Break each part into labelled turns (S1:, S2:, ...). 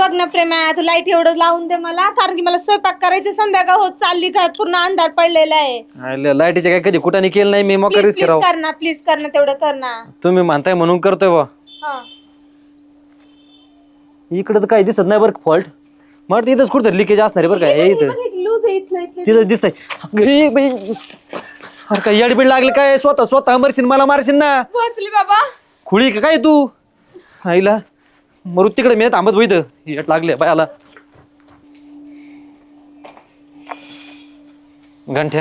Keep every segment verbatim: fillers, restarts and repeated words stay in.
S1: बघ ना प्रेमा, तू लाईट एवढं लावून दे मला, कारण की मला स्वयंपाक करायचं, संध्याकाळ होत चालली, घरात पूर्ण अंधार पडलेला आहे.
S2: लाईटीचे काय कधी कुठाने केलं नाही मी, मग
S1: प्लीज
S2: रिस्क
S1: प्लीज
S2: करावं.
S1: कर ना, प्लीज कर ना, तेवढं कर ना.
S2: तुम्ही म्हणताय म्हणून करतोय बा.
S1: हा
S2: इकडे तर काही दिसत नाही बरं फॉल्ट. मग इथंच कुठं लिकेज असणार आहे बरं काय. हे इथं
S1: लूज आहे इथलं इथलं.
S2: तिथं दिसतंय. ए बाई, अरे काय येडबीड लागली काय, स्वतः स्वतः मरशील मला मारशील ना.
S1: पोहोचली बाबा.
S2: खुळी का काय तू आईला, मरू तिकडे मी थांबत होईत येट लागले बायाला. गंठ्या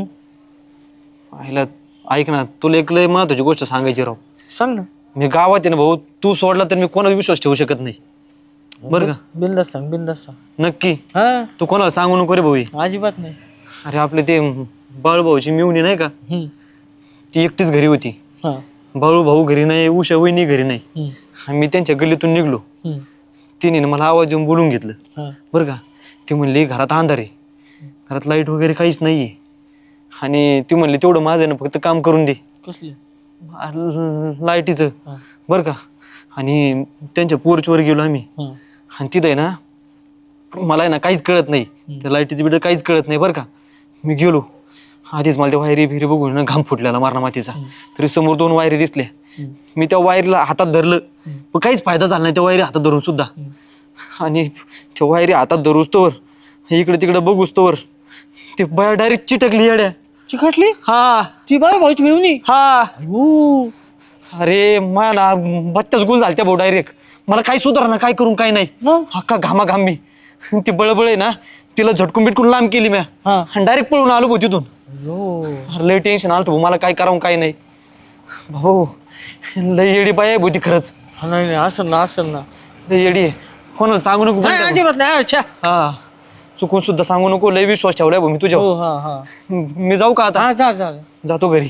S2: आईला ऐक ना, तुला एक लय महत्वाची गोष्ट सांगायची राव.
S3: सांग ना.
S2: मी गावात आहे ना भाऊ, तू सोडला तर मी कोणावर विश्वास ठेवू शकत नाही बरं का.
S3: बिंदास सांग, बिंदास सांग.
S2: नक्की
S3: हा
S2: तू कोणाला सांगू नको रे भाऊ.
S3: अजिबात नाही.
S2: अरे आपले ते बाळूभाऊची मिवणी नाही का,
S3: हम्म.
S2: ती एकटीच घरी होती.
S3: हा.
S2: बाळू भाऊ घरी नाही, उषा वहिनी घरी नाही.
S3: हम्म.
S2: मी त्यांच्या गल्लीतून निघलो.
S3: हम्म.
S2: तिने ना मला आवाज देऊन बोलून घेतलं
S3: हा.
S2: बरं का. ती म्हणली घरात अंधार आहे, घरात लाईट वगैरे काहीच नाहीये, आणि ती म्हणली तेवढं माझं ना फक्त काम करून दे
S3: कसली
S2: लाईटीचं
S3: हा.
S2: बरं का. आणि त्यांच्या पोर्चवर गेलो आम्ही,
S3: हा.
S2: आणि तिथं आहे ना मला आहे ना काहीच कळत नाही, त्या लाईटीचं बिड काहीच कळत नाही बरं का. मी गेलो आधीच, मला त्या वायरी फिरी बघून ना घाम फुटलेला मारणा मातीचा. तरी समोर दोन वायरी दिसल्या, मी त्या वायरीला हातात धरलं, पण काहीच फायदा झाला नाही त्या वायरी हातात धरून सुद्धा. आणि त्या वायरी हातात धरूस तोवर, इकडे तिकडे बघूस तोवर ते बाया डायरेक्ट चिटकली येड्या.
S3: चिकटली.
S2: हा
S3: ती बाय भाऊची मिळून.
S2: हा.
S3: हो.
S2: अरे मा ना बत्त्याच गुल झाल त्या भाऊ डायरेक्ट. मला काय सुधार ना, काय करून काय नाही, हक्का घामा घाम. मी ती बळबळ आहे ना, तिला झटकून बिटकून लांब केली मी, आणि डायरेक्ट पळून आलो भाऊ तिथून. अरे लय टेन्शन आलं भाऊ मला, काय करावं काय नाही. भाऊ लय येडी बाय आहे भाऊ ती खरंच.
S3: नाही नाही, असं ना, असं ना.
S2: लय येडी आहे, कोणाला सांगू नको.
S3: अजिबात नाही. अच्छा.
S2: हा चुकून सुद्धा सांगू नको, लय विश्वास ठेवलाय भाऊ मी तुझ्या.
S3: हो. हा हा.
S2: मी जाऊ का आता.
S3: हा जा जा.
S2: जातो घरी.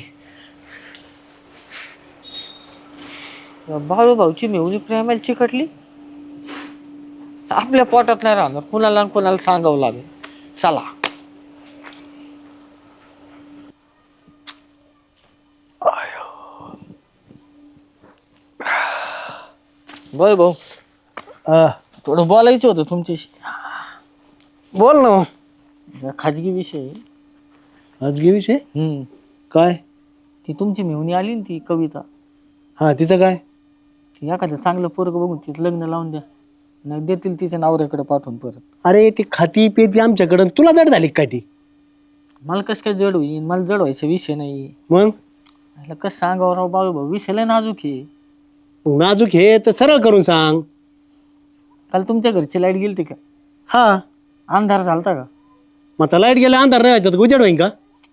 S3: बाळू भाऊची मेहुणी प्रेमाला चिकटली. आपल्या पोटात नाही राहणार, कुणाला न कुणाला सांगावं लागेल. चला. बोल भाऊ, थोडं बोलायचं होतं तुमच्याशी.
S2: बोल ना.
S3: खाजगी विषय आहे.
S2: खाजगी विषय
S3: हम्म.
S2: काय.
S3: ती तुमची मेहुणी आली ना, ती कविता.
S2: हा तिचं काय.
S3: ती एखादं चांगलं पोरग बघून तिचं लग्न लावून द्या, नाही देतील तिच्या नवऱ्याकडे पाठवून परत.
S2: अरे ती खाती पेती आमच्याकडं, तुला जड झाली काय ती.
S3: मला कसं काय जड होईल, मला जड व्हायचा विषय नाही.
S2: मग
S3: कसं सांगावं राव बाळू भाऊ, विषय लय नाजूक आहे.
S2: नाजूक हे तर सरळ करून सांग.
S3: काल तुमच्या घरची लाईट गेली का.
S2: हा
S3: अंधार झालता का.
S2: मग आता लाईट गेला अंधार नाही व्हायचा, उजेड होईन का.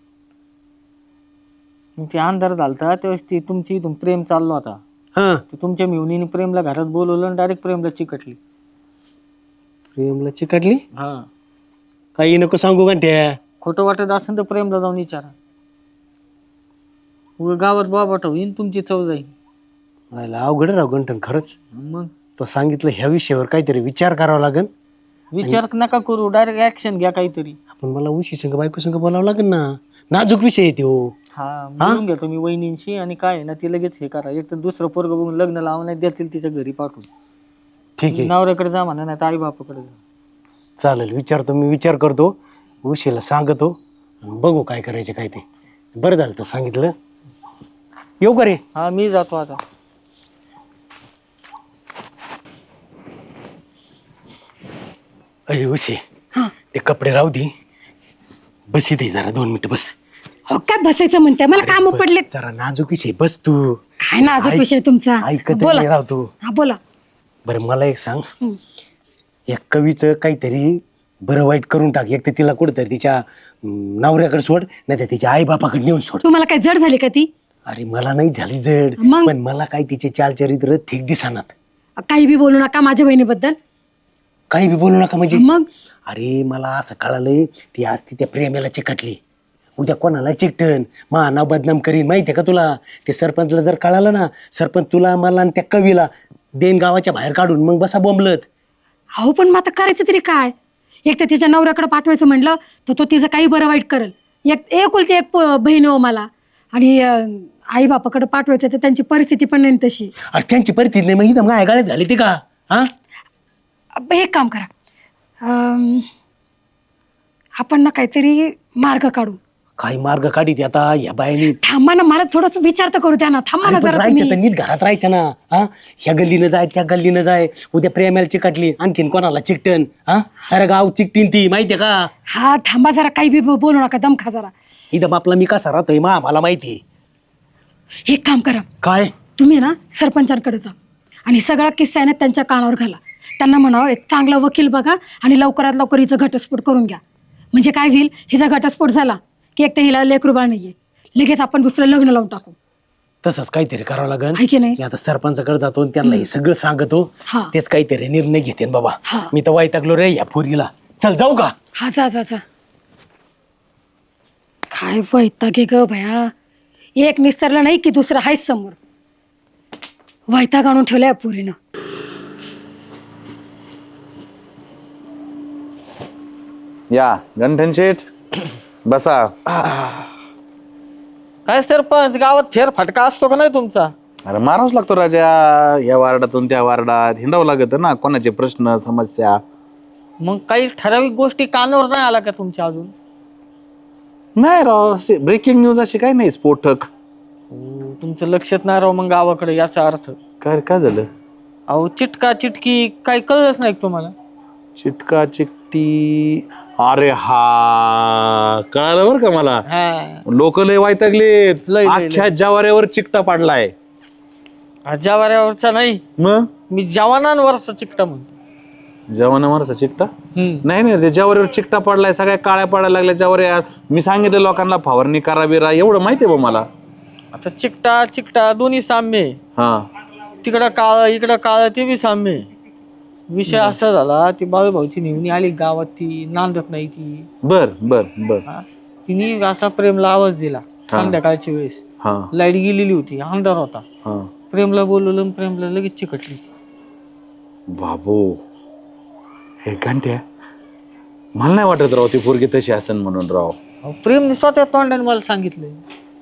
S3: मग ते अंधार झालता त्यावेळेस ती तुमची इथून प्रेम चाललो होता.
S2: हा
S3: ते तुमच्या मेहुणीने प्रेमला घरात बोलवलं आणि डायरेक्ट प्रेमला चिकटली.
S2: प्रेमला चिकटली.
S3: हा.
S2: काही नको सांगू गंठ्या.
S3: खोटं वाटत असेल तर प्रेमला जाऊन विचारा. उगा गावात बाबाटा होईन, तुमची चव जाईल.
S2: अवघड राव गंठन खरंच.
S3: मग
S2: तो सांगितलं ह्या विषयावर काहीतरी विचार करावा लागेल.
S3: विचार नका करू, डायरेक्ट ऍक्शन घ्या काहीतरी.
S2: आपण मला उशी संग बायको संग बोलावं लागेल ना, नाजूक विषय आहे तो.
S3: हा बोलून घ्या तुम्ही वहिनींशी, आणि काय आहे ना ती लगेच हे करा. एक तर दुसरं पोरग बघून लग्न लावून नाही देतील तिच्या घरी पाठवून.
S2: ठीक आहे
S3: नवऱ्याकडे जा म्हणा, नाही तर आई बापाकडे जा.
S2: चालेल, विचारतो मी, विचार करतो, उशीला सांगतो, बघू काय करायचं काय ते. बरं झालं तर सांगितलं. येऊ का रे.
S3: हा मी जातो आता.
S2: अरे उशी ते कपडे राहू दे, बस इथे जरा दोन मिनिटं बस.
S1: हो काय बसायचं म्हणते, मला काम
S2: बस,
S1: पडले.
S2: जरा नाजूक विषय, बस तू.
S1: काय नाजूक विषय तुमचा.
S2: ऐकत
S1: बोला.
S2: नाही राव तू.
S1: हा बोला.
S2: बरं मला एक सांग,
S1: हम्म.
S2: या कवीचं काहीतरी बरं वाईट करून टाक. एक तर तिला कुठंतरी तिच्या अं, नवऱ्याकडे सोड, नाही तर तिच्या आई बापाकडे नेऊन सोड.
S1: तुम्हाला काय जड झाली का ती.
S2: अरे मला नाही झाली जड,
S1: मग?
S2: पण मला काही तिचे चालचरित्र ठीक दिसणार.
S1: काही बी बोलू नका माझ्या बहिणीबद्दल.
S2: काही बी बोलू नका म्हणजे.
S1: मग
S2: अरे मला असं कळालंय, ती आज ती त्या प्रेमाला चिकटली, उद्या कोणाला चिकटन, मा नाव बदनाम करीन माहितीये का तुला. ते सरपंचला जर कळालं ना, सरपंच तुला मला आणि त्या कवीला देन गावाच्या बाहेर काढून मग बसा बोंबलत.
S1: अहो पण मग आता करायचं तरी काय. एक तर तिच्या नवऱ्याकडे पाठवायचं म्हणलं तर तो तिचं काही बरं वाईट करेल. एक एकुलती एक प- बहीण हो मला, आणि आई बापाकडे पाठवायचं तर त्यांची परिस्थिती पण नाही तशी.
S2: अरे त्यांची परिस्थिती नाही, मग इथं काय गाळ्यात घाली ती का. हा
S1: अब एक काम करा, अं, आपण ना काहीतरी मार्ग काढू.
S4: काही मार्ग काढीत आता या बायानी.
S1: थांबा ना, मला थोडस विचार तर करू द्या ना. थांबा ना
S4: अरे पण
S1: जरा
S4: राहायचं तर
S1: तुम्ही.
S4: नीट घरात राहायचं ना. हा ह्या गल्लीनं जाय त्या गल्लीनं जाय, उद्या प्रेमाला चिकटली आणखीन कोणाला चिकटन. हा सारं गाव चिकटीन ती माहितीये का.
S1: हा थांबा जरा, काही बी बोलू नका, दम खा जरा.
S4: इथं आपला मी कसा राहतोय मा मला माहिती.
S1: एक काम करा,
S4: काय
S1: तुम्ही ना सरपंचांकडे जा आणि सगळा किस्सा आहे ना त्यांच्या कानावर घाला. त्यांना म्हणावं एक चांगला वकील बघा आणि लवकरात लवकर हिचा घटस्फोट करून घ्या. म्हणजे काय होईल, हिचा घटस्फोट झाला की एक तर हिला लेकरू बाळ नाहीये, लगेच आपण दुसरं लग्न लावून टाकू.
S4: तसंच काहीतरी करावं लागेल.
S1: आहे की नाही?
S4: मी आता सरपंचाकडे जातो आणि त्यांना हे सगळं सांगतो.
S1: हा.
S4: तेच काहीतरी निर्णय घेते बाबा.
S1: हा.
S4: मी तर वैतागलो रे या पोरीला. चल जाऊ का.
S1: हा जा जा जा. काय वैताग आहे ग भया, एक निसरलं नाही की दुसरं आहेच समोर. वैताग आणून ठेवलाय या पोरीनं.
S5: या गंठन शेठ बसा.
S3: काय सरपंच, गावात फेर फटका असतो का नाही तुमचा?
S5: अरे मारावंच लागतो राजा, या वार्डातून त्या वार्डात हिंडावं लागत ना, कोणाचे प्रश्न समस्या.
S3: मग काही ठराविक गोष्टी कानावर नाही आला का तुमच्या अजून?
S5: नाही राव, ब्रेकिंग न्यूज अशी काही नाही स्फोटक.
S3: हो, तुमचं लक्षात नाही राव मग गावाकडे, याचा अर्थ.
S5: काय काय झालं?
S3: अहो चिटका चिटकी काही कळलंच नाही का तुम्हाला?
S5: चिटका चिकटी, अरे हा कळालं बरं का मला.
S3: हा,
S5: लोक लय वैतागलेत,
S3: लय, लय,
S5: अख्ख्या जवाऱ्यावर चिकटा पडलाय.
S3: जवाऱ्यावरचा नाही,
S5: मग
S3: मी जवानांवरचा चिकटा म्हणतो.
S5: जवानावरचा चिकटा
S3: हम्म.
S5: नाही नाही, ते जवारीवर चिकटा पडलाय, सगळ्या काळ्या पडायला लागल्या जवाऱ्या. मी सांगितलं लोकांना फवारणी करा बिरा, एवढं माहितीये बा मला.
S3: आता चिकटा चिकटा दोन्ही साम्य आहे.
S5: हा
S3: तिकडं काळ इकडं काळ, ते बी साम्य आहे. विषय असा झाला, ती बाळूभाऊची नेहमी आली गावात, ती नांदत नाही ती.
S5: बर बर बर.
S3: हा, तिने असा प्रेमला आवाज दिला संध्याकाळच्या वेळेस.
S5: हा
S3: लाईट गेलेली होती, अंधार होता.
S5: हा
S3: प्रेमला बोलवलं आणि प्रेमला लगेच चिकटली ती.
S5: बाबू, हे घंट्या मला नाही वाटत राव ती पोरगी तशी असन म्हणून राव.
S3: अहो, प्रेमने स्वतः तोंडाने मला सांगितलंय.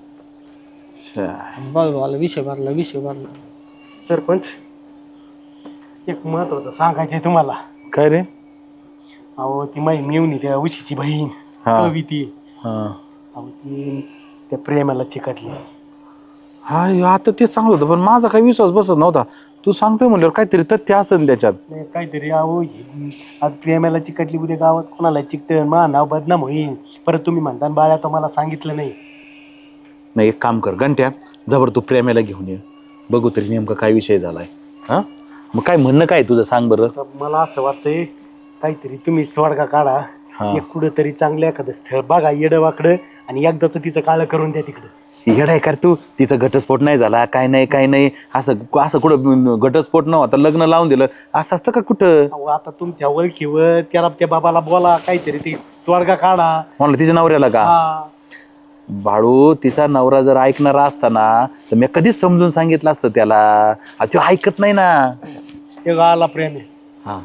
S3: बाळूभाऊला विषय भरला विषय भरला.
S4: सरपंच एक महत्वाचं सांगायचंय तुम्हाला.
S5: काय रे?
S4: अहो ती माई मेवणी त्या उशीची बहीण
S5: हा.
S4: कविती,
S5: हा
S4: अहो ती त्या प्रेमाला चिकटली.
S5: हा आता ते सांगत होतं, पण माझा काही विश्वास बसत नव्हता. तू सांगतोय म्हणल्यावर काहीतरी तथ्य असेल त्याच्यात.
S4: नाही, काहीतरी अहो हे- आज प्रेमाला चिकटली, उद्या गावात कोणाला चिकटन, मा नाव बदनाम होईल. परत तुम्ही म्हणता बाळा तुम्हाला सांगितलं नाही.
S5: नाही एक काम कर घंट्या, जबर तू प्रेमाला घेऊन ये, बघू तरी नेमका काय विषय झालाय. हा मग काय म्हणणं काय तुझं सांग बरं.
S4: तर मला असं वाटतंय काहीतरी तुम्ही तोडगा काढा.
S5: हा.
S4: एक कुठं तरी चांगलं एखादं स्थळ बघा येडं वाकडं आणि एकदाच तिचं काळं करून द्या तिकडं.
S5: येड आहे कर तू, तिचा घटस्फोट नाही झाला, काय नाही काय नाही, असं असं कुठं घटस्फोट नव्हता, लग्न लावून दिलं असं असतं का कुठं?
S4: अहो आता तुमच्या ओळखीवर त्याला त्या बाबाला बोला, काहीतरी ते तोडगा काढा.
S5: म्हणलं तिच्या नवऱ्याला का?
S4: हा.
S5: बाळू, तिचा नवरा जर ऐकणारा असता ना तर मी कधीच समजून सांगितलं असतं त्याला. आ, तो ऐकत नाही ना.
S4: ते गाला प्रेम आहे.
S5: हा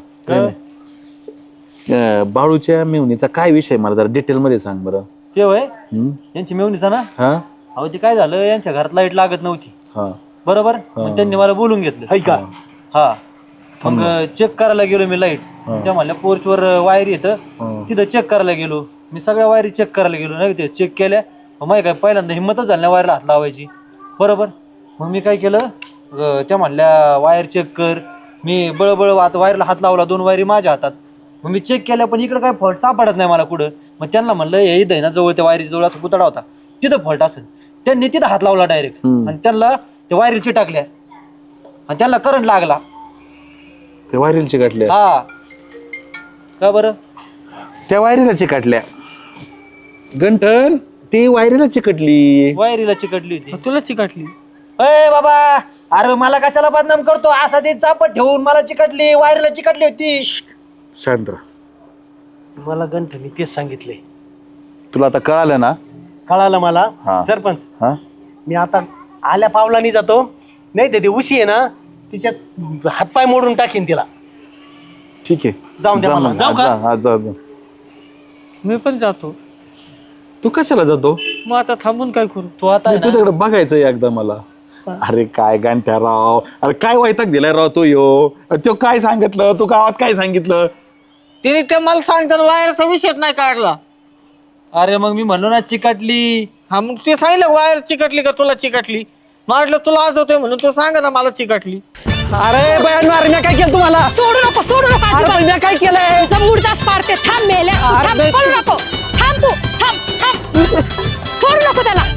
S5: अं, बाळूच्या मेवणीचा काय विषय मला जरा डिटेल मध्ये सांग बरं.
S6: ते होय
S5: हम्म?
S6: यांची मेवणीचा ना.
S5: हा
S6: अहो ते काय झालं, यांच्या घरात लाईट लागत नव्हती
S5: हा
S6: बरोबर. मग त्यांनी मला बोलून घेतलं.
S4: हाय का?
S6: हा मग चेक करायला गेलो मी लाईट. त्या म्हणल्या पोर्चवर वायर येतं, तिथं चेक करायला गेलो मी. सगळ्या वायरी चेक करायला गेलो नाही, ते चेक केल्या. माहिती काय, पहिल्यांदा हिंमतच झाली नाही वायरला हात लावायची बरोबर. मग मी काय केलं, अं, त्या म्हणल्या वायर चेक कर. मी बळबळ आता वायरला हात लावला, दोन वायरी माझ्या हातात. मग मी चेक केल्या, पण इकडे काय फॉल्ट सापडत नाही मला कुठं. मग त्यांना म्हणलं हे इथं आहे ना जवळ, त्या वायरी जवळ असं पुतळा होता, तिथं फॉल्ट असेल. त्यांनी तिथं हात लावला डायरेक्ट आणि त्यांना त्या वायरी चिटाकल्या आणि त्यांना करंट लागला.
S5: ते वायरीला चिकटल्या.
S6: हा का बरं?
S5: त्या वायरीला चिकटल्या गंठन, ती वायरीला चिकटली.
S6: वायरीला चिकटली होती.
S3: तुला चिकटली?
S6: अय बाबा, अरे मला कशाला बदनाम करतो असा, ते चापट ठेवून मला चिकटली, वायरीला चिकटली होती.
S5: शांत राह.
S4: मला गंठनी तेच सांगितलंय.
S5: तुला आता कळालं ना?
S4: कळालं मला.
S5: हा.
S4: सरपंच
S5: हा
S4: मी आता आल्या पावलानी जातो, नाही तर ते उशी आहे ना तिच्यात हातपाय मोडून टाकीन तिला.
S5: ठीक आहे,
S4: जाऊन द्या
S5: जा
S4: मला.
S5: मग.
S4: जाऊ
S5: आज
S4: का?
S5: जा, आज जा, आज जा.
S3: मी पण जातो.
S5: तू कशाला जातो?
S3: मग आता थांबून काय करू?
S6: तू आता आहे
S5: नाही,
S6: ना,
S5: तुझ्याकडे बघायचंय एकदा मला. अरे काय गांठ्या राव, अरे काय वैताग दिलाय राव तो यो. तो काय सांगितलं, तू गावात काय सांगितलं?
S3: तिने ते मला सांगताना वायरचा विषयच नाही काढला.
S6: अरे मग मी म्हणलो ना चिकाटली.
S3: हा मग ते सांगितलं वायर चिकटली का तुला चिकटली. म्हटलं तुला आज होतोय म्हणून तू सांगा ना मला चिकटली.
S2: अरे बयान मार, मी काय केलं तुम्हाला?
S1: सोडू नको सोडू नको
S2: अरे
S1: अजिबात.
S2: पण मी काय केलंय?
S1: तुझा मुर्दाच पाडते. थांब मेल्या, थांब,
S2: अरे
S1: पळू नको. थांब तू, थांब थांब सोडू नको त्याला.